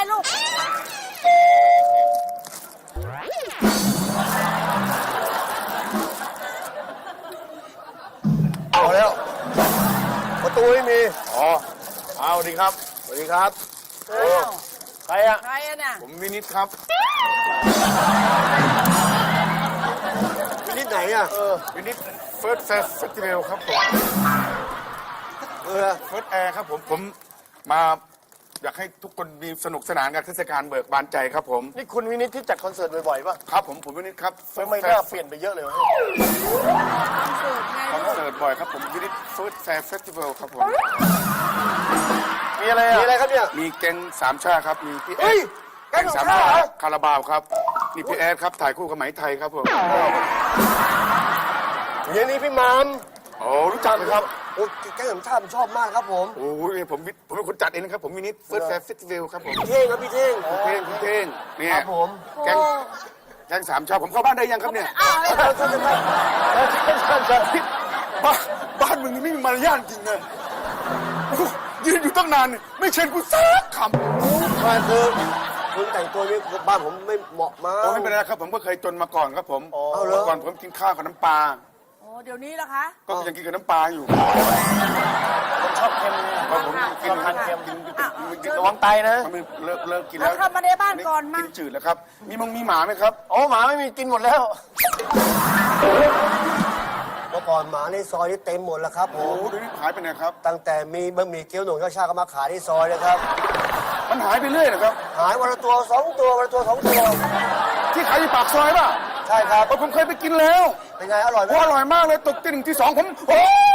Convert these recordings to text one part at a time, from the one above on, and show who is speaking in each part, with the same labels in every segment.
Speaker 1: ลูก
Speaker 2: เอาแล้วประตูไม่มี
Speaker 3: อ๋อเอาสวัสดีครับสวัสดีครับใครอะ
Speaker 1: ใครอะน่ะ
Speaker 3: ผมวินิตครับ
Speaker 2: วินิจไหนอ่ะ
Speaker 3: วินิตเฟิร์สเฟสติวัลครับผมเฟิร์สแอร์ครับผมมาอยากให้ทุกคนมีสนุกสนานกับเทศกาลเบิกบานใจครับผม
Speaker 2: นี่คุณวินิจที่จัดคอนเสิร์ตบ่อยๆป่ะ
Speaker 3: ครับผมวินิตครับ
Speaker 2: ไม่น่าเปลี่ยนไปเยอะเลยวะ
Speaker 3: คอนเสิร์ตบ่อยครับผมวินิตเฟิร์สแฟร์เฟสติวัลครับผม
Speaker 2: มีอะไรอ่ะมีอะไรครับเนี่ย
Speaker 3: มีแก๊งสามชาครับมีพี่แอ
Speaker 2: เฮ้ย
Speaker 3: ด
Speaker 2: แก๊งสามชาเหรอ
Speaker 3: คาราบาวครับนี่พี่แอดครับถ่ายคู่กับไหมไทยครับผม
Speaker 2: อย่างนี้พี่มาม
Speaker 3: โอ้รู้จักไหมครับ
Speaker 2: โอ้แก๊งสามชาผมชอบมากครับผม
Speaker 3: โอ้ยผมเป็นคนจัดเองนะครับผมวินิตเฟิร์สแฟร์เฟสติวัลครับผม
Speaker 2: พี่เท่งครับพี่เท่ง
Speaker 3: คุณเท่งเนี่
Speaker 2: ค
Speaker 3: ย
Speaker 2: รับผม
Speaker 3: แก๊งสามชาวผมเข้าบ้านได้ยังครับเนี่ย บ้านมึงนี่ไม่มีมารยาทจริงเลยยืนอยู่ตั้งนานเนี่ยไม่เชิญกูสักคำ
Speaker 2: บ้านคือคุณแต่งตัวนี้บ้านผมไม่เหมาะมาก
Speaker 3: โอ้ไม่เป็นไรครับผมก็เคยจนมาก่อนครับผม
Speaker 2: เอาเหรอ
Speaker 3: เมื่อก่อนผมกินข้าวกับน้ำปลา
Speaker 1: โอ้เดี๋ยวนี้ล่ะคะ
Speaker 3: ก็ยังกินกับน้ำปลาอยู่
Speaker 2: ชอบเค็ม
Speaker 3: ก็ผมกิน
Speaker 2: ทานเค็ม
Speaker 3: กิน
Speaker 2: ระวังไตนะ
Speaker 3: มันเลิกกิน
Speaker 1: แล้
Speaker 3: แล้ว ว
Speaker 1: เข้ามาในบ้านก่อนมา
Speaker 3: กินจืดแล้วครับมีหมาไหมครับ
Speaker 2: โอ้หมาไม่มีกินหมดแล้วเมื่อก่อนหมาในซอยนี่เต็มหมดแล้วครับผ
Speaker 3: โอ้
Speaker 2: ม
Speaker 3: เดี๋ยวนี้หายไปไหนครับ
Speaker 2: ตั้งแต่มีบะหมี่เกี๊ยวหนุ่มข้าวชาก็มาขายที่ซอยเลยครับ
Speaker 3: มันหายไปเรื่อยนะครับ
Speaker 2: หายวันละตัวสองตัววันละตัวสองตัว
Speaker 3: ที่ขายอยู่ปากซอยป่ะ
Speaker 2: ใช่ครับ
Speaker 3: ผมเคยไปกินแล้ว
Speaker 2: เป็นไงอร่อยไหม
Speaker 3: โอ้อร่อยมากเลยตกตีหนึ่งที่สองผมโอ้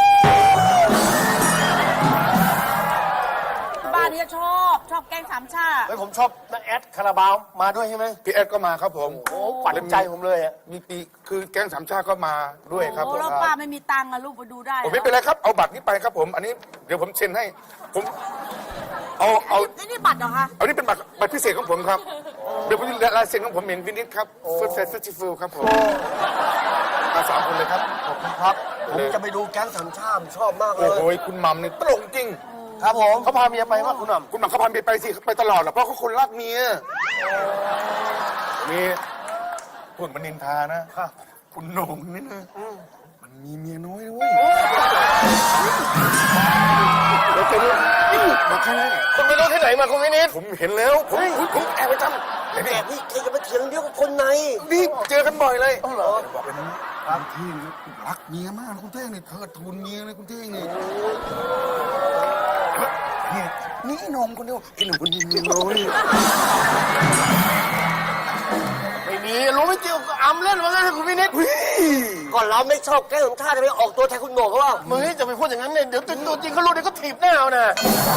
Speaker 1: บ้านนี้ชอบแกงสามชา
Speaker 2: เฮ้ยผมชอบน้าแอดคาราบาวมาด้วยใช่ไหม
Speaker 3: พี่แอดก็มาครับผม
Speaker 2: โอ้ปั่นใจผมเลยอ่ะ
Speaker 3: มีปีคือแก๊งสามชาติก็มาด้วยครับผ
Speaker 1: โอ้
Speaker 3: ม
Speaker 1: แล้วป้าไม่มีตังค์อะลูกไปดูได้
Speaker 3: ผมไม่เป็นไรครับเอาบัตรนี้ไปครับผม อันนี้เดี๋ยวผมเซ็นให้ผมเอา
Speaker 1: นี่บัตรเหรอคะ
Speaker 3: เอานี่เป็นบัตรพิเศษของผมครับเดี๋ยวผมลายเซ็นของผมเองวินิตครับเฟิร์สเฟสติวัลครับผมมา3 คนเลยครับ
Speaker 2: ขอบคุณครับผมจะไปดูแก๊งสามชาติชอบมากเล
Speaker 3: โอ้
Speaker 2: ย
Speaker 3: โหคุณหม่ำนี่ตลกจริง
Speaker 2: ครับผมเขาพาเมียไปว่าคุณหน่ำ
Speaker 3: คุณหม่ำเขาพาเมียไปสิไปตลอดแหละเพราะเขาคนรักเมียมีพูดมันนินทานะคุณโหน่งนี่นะมันมีเมียน้อยนะเว้ยแล้วจะรู้มาแค่ไหน
Speaker 2: คุณไปดูที่ไหนมาคุณวินิจ
Speaker 3: ผมเห็นแล้วผมแอบไปจำ
Speaker 2: แอบนี่ใครจะมาเถียงเดียวกับคนใน
Speaker 3: นี่เจอกันบ่อยเลย
Speaker 2: เหรอ
Speaker 3: บอกเป็นคุณเท่งรักเมียมากคุณเท่งนี่เทิดทูนเมียเลยคุณเท่งนี่นี่นมคนเดียวไอ้หนุ่มคนนี้เมียน้อย
Speaker 2: ไม่มีรู้ไม่จริงก็อำเล่นว่างั้นให้คุณวินิจก่อนเราไม่ชอบแก๊งสามชาติจะไปออกตัวแทนคุณโหน่งเขาว่ามึงจะไปพูดอย่างนั้นเนี่ยเดี๋ยวตัวจริงเขารู้เดี๋ยวก็ถีบหน้าเอานะ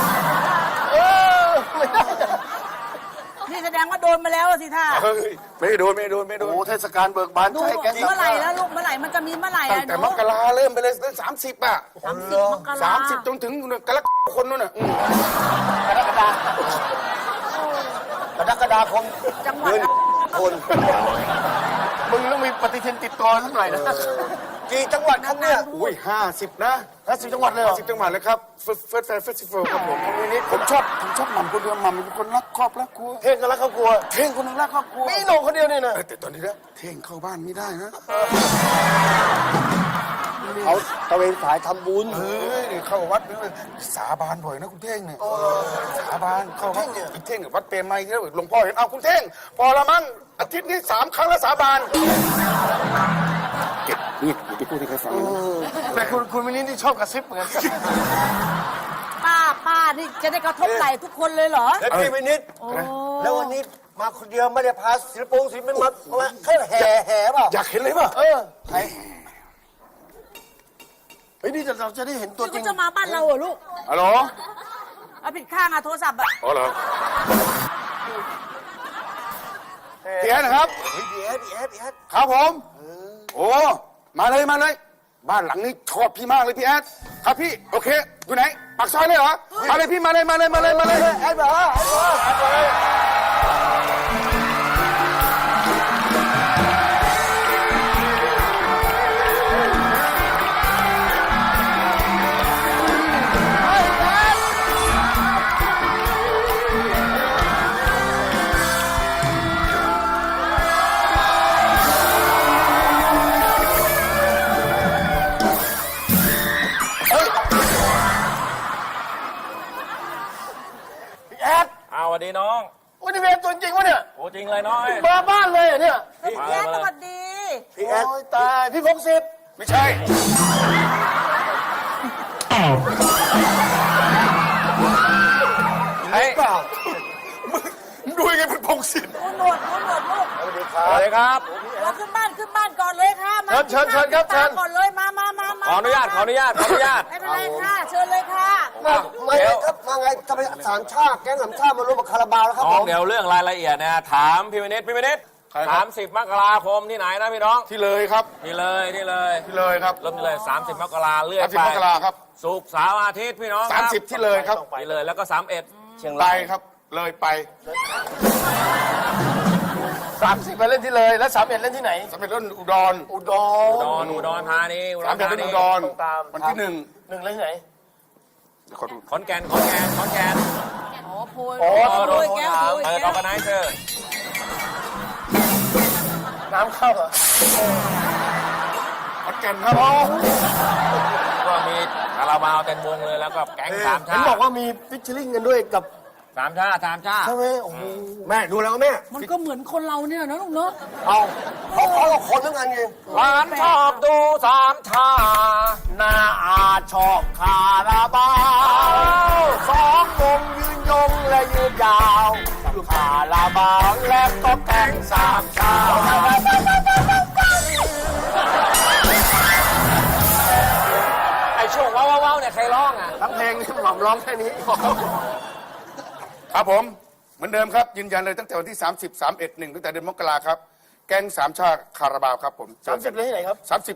Speaker 2: ไม่ได้
Speaker 1: นี่แสดงว่าโดนมาแล้วสิท่า
Speaker 3: เฮ้ยไม่โดน
Speaker 2: โอ้เทศกาลเบิกบาน
Speaker 1: ดู
Speaker 2: ใช่แก๊ง
Speaker 1: เมื่อไหร่แล้วลูกเมื่อไหร่มันจะมีเมื่อไหร่
Speaker 3: ตั้ง
Speaker 1: อะ
Speaker 3: แต่
Speaker 1: หนู
Speaker 3: มกราเริ่มไปเลย30อ่ะ
Speaker 1: 30 มกรา
Speaker 3: 30จนถึงกรกฎาคมนู่นน่ะ
Speaker 2: กรกฎาคม
Speaker 1: จังหวัด
Speaker 2: คน มึงต้องมีปฏิทินติดตัวสักหน่อยนะกี่จังหวัดครับเนี่ย
Speaker 3: อุ้ย50นะ
Speaker 2: 50 จังหวัดเลยเหรอ
Speaker 3: 10 จังหวัดเลยครับเฟิร์สเฟสติวัลครับผมผมชอบหม่ำคนเดียวหม่ำเป็นคนรักครอบรักครัว
Speaker 2: เท่งกันแล้วครอบครัว
Speaker 3: เท่งคนนึงรักครอบครัว
Speaker 2: มีโหน่งคนเดียวเนี่ยนะ
Speaker 3: แต่ตอนนี้นะเท่งเข้าบ้านไม่ได้นะ
Speaker 2: เขาตะเวนสายทำบุญ
Speaker 3: เฮ้ยนี่เข้าวัดนี่สาบานบ่อยนะคุณเท่งเนี่ยสาบานเข้าวัดอีกเท่งกับวัดเปรมไมค์แล้วหลวงพ่อเห็นเอาคุณเท่งพอละมั้งอาทิตย์นี้3 ครั้งแล้วสาบานเก็บนี่อย่าไปพูดให้ใครฟังนะ
Speaker 2: แต่คุณวินิจที่ชอบกระซิบเหมือนกัน
Speaker 1: ป้านี่จะได้กระทบไหล่ทุกคนเลยเหรอ
Speaker 2: แล้วพี่วินิจ
Speaker 1: โอ้
Speaker 2: แล้ววันนี้มาคนเดียวไม่ได้พาศิลปินมาแค่แห่เปล่า
Speaker 3: อยากเห็นเลยป่ะ
Speaker 2: ใครเฮ้ยนี่เราจะได้เห็นตัวจริ
Speaker 1: นี่
Speaker 2: ง
Speaker 1: เขาจะมาบ้านเราเหรอลูก
Speaker 3: ฮัลโหล
Speaker 1: เอาผิดข้างอะโทรศัพท์อะ
Speaker 3: อ๋อเหรอพี่แอดนะครับ
Speaker 2: เฮ้ยพี่แอด
Speaker 3: ครับผมโอ้มาเลยบ้านหลังนี้ชอบพี่มากเลยพี่แอดครับพี่โอเคอยู่ไหนปากซอยเลยเหรอมาเลยพี่มาเลย
Speaker 2: แอดบอกว่า
Speaker 4: วัสดีน้อง
Speaker 2: วันนี้เวรตัวจริงวะเนี่ย
Speaker 4: โอ้จริงเลยน้อย
Speaker 2: มาบ้านเลยเหรอเนี่ย
Speaker 1: พี่แจ๊คสวัสดี
Speaker 2: พี่แอดตายพี่พงศิษฐ์
Speaker 3: ไม่ใช่
Speaker 4: เฮ้ย
Speaker 2: เปล่า
Speaker 3: มึงดูยังไงเป็นพงศิษฐ์
Speaker 1: ดูหนวดลูก
Speaker 2: สวัสดีค
Speaker 4: ส
Speaker 2: รับ
Speaker 4: วัสดีครับ
Speaker 1: เราขึ้นบ้านก่อนเลยค่ะมา
Speaker 2: เชิญครับเชิญ
Speaker 1: ก่อนเลยมา
Speaker 4: ขออนุญาต
Speaker 1: ไม่เป็นไรค่ะเชิญเลยค่ะ
Speaker 2: มาไงครับมาไงทำไมสามชาติแก๊งสามชาติมาร่วมกับคาราบาวแล้วครับ
Speaker 4: น้
Speaker 2: ผ
Speaker 4: อง
Speaker 2: ม
Speaker 4: เดี๋ยวเรื่องรายละเอียดเนี่ยถามพี่วินิต30 มกราคมที่ไหนนะพี่น้อง
Speaker 3: ที่เลยครับ
Speaker 4: นี่เลย
Speaker 3: ที่เลยครับ
Speaker 4: เริ่มเลย30 มกราเลื่อนไป
Speaker 3: 30 มกราครับ
Speaker 4: ศุกร์เสาร์อาทิตย์พี่น้องครับ
Speaker 3: 30 ที่เลยครับ
Speaker 4: นี่เลยแล้วก็31
Speaker 2: เชียง
Speaker 3: ไป
Speaker 2: ราย
Speaker 3: ครับ เลยไป
Speaker 2: 30ไปเล่นที่เลยแล้ว31เล่นที่ไหน
Speaker 3: สำเร็จเล่นอุดร
Speaker 2: อุดร
Speaker 4: อุดรธานี
Speaker 3: สามเดือนเล่นอุดร
Speaker 2: ต้องตาม
Speaker 3: วันที่หนึ่ง
Speaker 2: หนึ่งเล่นที่ไหน
Speaker 3: เดี๋ยวขอดู
Speaker 4: ขอนแก่น
Speaker 1: อ๋อโพย
Speaker 2: โอ้
Speaker 1: โพยแก้วโพย
Speaker 4: เปิดอ
Speaker 1: แก้
Speaker 4: อ
Speaker 1: ว
Speaker 4: ร์แกไนเซอร์
Speaker 2: น้ำเข้าเหรอ
Speaker 3: ขอนแก่นครับ
Speaker 4: ก็มีคาราบาวเต็มวงเลยแล้วก็แก๊งสาม
Speaker 2: เห็
Speaker 4: ชาน ติ
Speaker 2: บอกว่ามีฟิชเชอริ่งกันด้วยกับ
Speaker 4: สามชาติ
Speaker 2: ใช่ไหมโอ้โหแม่ดูแล้วแม่
Speaker 1: มันก็เหมือนคนเราเนี่ยนะลูกเนาะ
Speaker 2: เอาเขากับคนทั้งนั้นไง
Speaker 4: หลานชอบดูสามชาติ
Speaker 2: หน้าอาชอบคาราบาวสองวงยืนยงและยืนยาวคาราบาวและก็แก๊งสามชาติ
Speaker 4: ไอช่วงว้าวๆเนี่ยใครร้องอ่ะ
Speaker 2: ทั้งเพลงนี่หม่อมร้องแค่นี้
Speaker 3: ครับผม เหมือนเดิมครับ ยืนยันเลยตั้งแต่วันที่ 30 31 1ตั้งแต่เดือนมกราครับ แก๊งสามชาติคาราบาวครับผม
Speaker 2: 30เลยที่ไหนครับ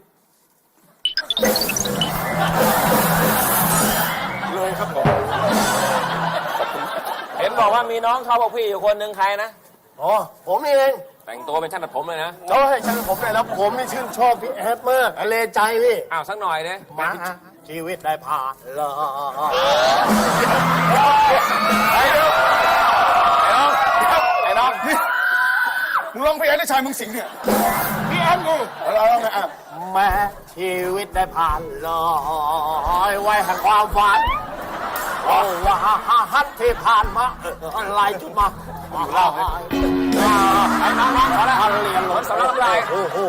Speaker 3: 30 เลยครับผม
Speaker 4: เห็นบอกว่ามีน้องชอบพวกพี่อยู่คนหนึ่งใครนะ
Speaker 2: อ๋อ ผมนี่เอง
Speaker 4: แต่งตัวเป็นช่างตัดผมเลยนะ
Speaker 2: โอ้ยช่างผมเลยแล้วผมนี่ชื่นชอบพี่แอดมากเลใจพี่
Speaker 4: อ้าวสักหน่อยเด้
Speaker 2: มาชีวิตได้ผ่านเลย
Speaker 3: ไอ้น้องนี่มึงร้องเพลงได้ชายมึงสิงห์เนี่ย
Speaker 2: พี่แอดไง
Speaker 3: เราร้องไงอ่ะ
Speaker 2: แม้ชีวิตได้ผ่านเลยไว้แห่งความฝันโอ้ว่าฮัทที่ผ่านมาอะไรจุดมาเล่าไอ้น้องขอแล้วเรียนหลด
Speaker 4: สำหรับอะไร
Speaker 2: โอ้โห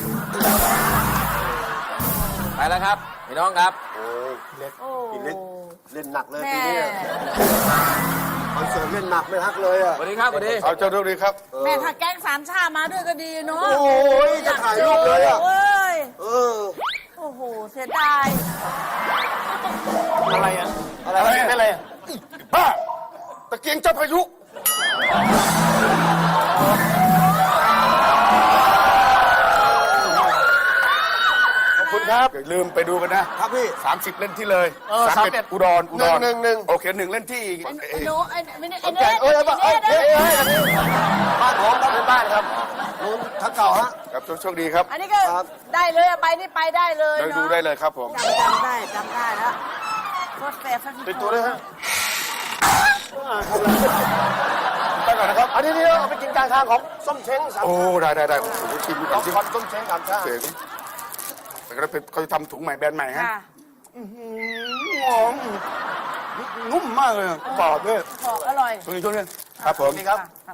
Speaker 4: ไปแล้วครับพี่น้องครับ
Speaker 2: เล่น
Speaker 1: โอ้
Speaker 2: เล่นหนักเลย
Speaker 1: แม่
Speaker 2: ปีนี้คอนเสิร์ตเล่นหนักไม่ฮักเลยอ่ะ
Speaker 4: สวัสดีครับสวัสดี
Speaker 3: เอาเจ้าดูดีครับ
Speaker 1: แม่ถ้าแก๊งสามชาติมาด้วยก็ดีเนาะ
Speaker 2: โอ้ยจะถ่ายรูปเลยอ่ะ
Speaker 1: เว้ย
Speaker 2: เออ
Speaker 1: โอ้โหเสียดาย
Speaker 2: อะไรอ่ะอะไรไม่อะไรอ่ะ
Speaker 3: บ้า ตะเกียงเจ้าพายุ
Speaker 2: ขอบคุณครับ
Speaker 3: อย่าลืมไปดูกันนะครับ
Speaker 2: พี่
Speaker 3: 30 เล่นที่เลย
Speaker 2: 31
Speaker 3: อุดร
Speaker 2: หนึ่ง
Speaker 3: โอเค1เล่นที่
Speaker 1: ไอ้โน้ไอ้ไม่ได้
Speaker 2: ข
Speaker 1: ไอ้
Speaker 2: อน
Speaker 1: เน
Speaker 2: แก่น
Speaker 1: ท
Speaker 2: เอ้ย
Speaker 1: ไอ้
Speaker 2: เอ้ย
Speaker 1: เน
Speaker 2: เอ้ย
Speaker 1: ท
Speaker 2: เอ้ยบ้านผมครับเป็นบ้านครับนู้นทักเก่าฮะ
Speaker 3: ครับโชคดีครับ
Speaker 1: อันนี้ก็
Speaker 2: ครับ
Speaker 1: ได้เลยอะไปนี่ไปได้เลย
Speaker 3: ได้
Speaker 1: เนาะ
Speaker 3: ดูได้เลยครับผม
Speaker 1: จำได้แล้วโคตรแฟร์
Speaker 2: ติดตัวด้วยฮะ
Speaker 3: ไปก่อนนะครับ
Speaker 2: อันนี้เอาไปกินกลางทางของส้มเช้งสาม
Speaker 3: โอ้ ได้ผมจะชิมดู
Speaker 2: ข
Speaker 3: ก่อ
Speaker 2: อน ง
Speaker 3: สิ
Speaker 2: คอนส้มเช้งสามชาติ
Speaker 3: เจ๋งแต่ก็เป็นเขาจะทำถุงใหม่แบรนด์ใหม่ฮะ
Speaker 1: ค่ะ
Speaker 3: หอมนุ่มมากเลยกรอบด้วย
Speaker 1: ของอร่อย
Speaker 3: ช่วงนี้ครับผม
Speaker 2: นี่ครับ
Speaker 1: ค่ะ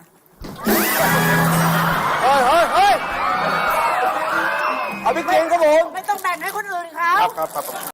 Speaker 2: เฮ้ยเอาไปกินครับผม
Speaker 1: ไม่ต้องแบ่งให้คนอื่นเขา
Speaker 3: ครับ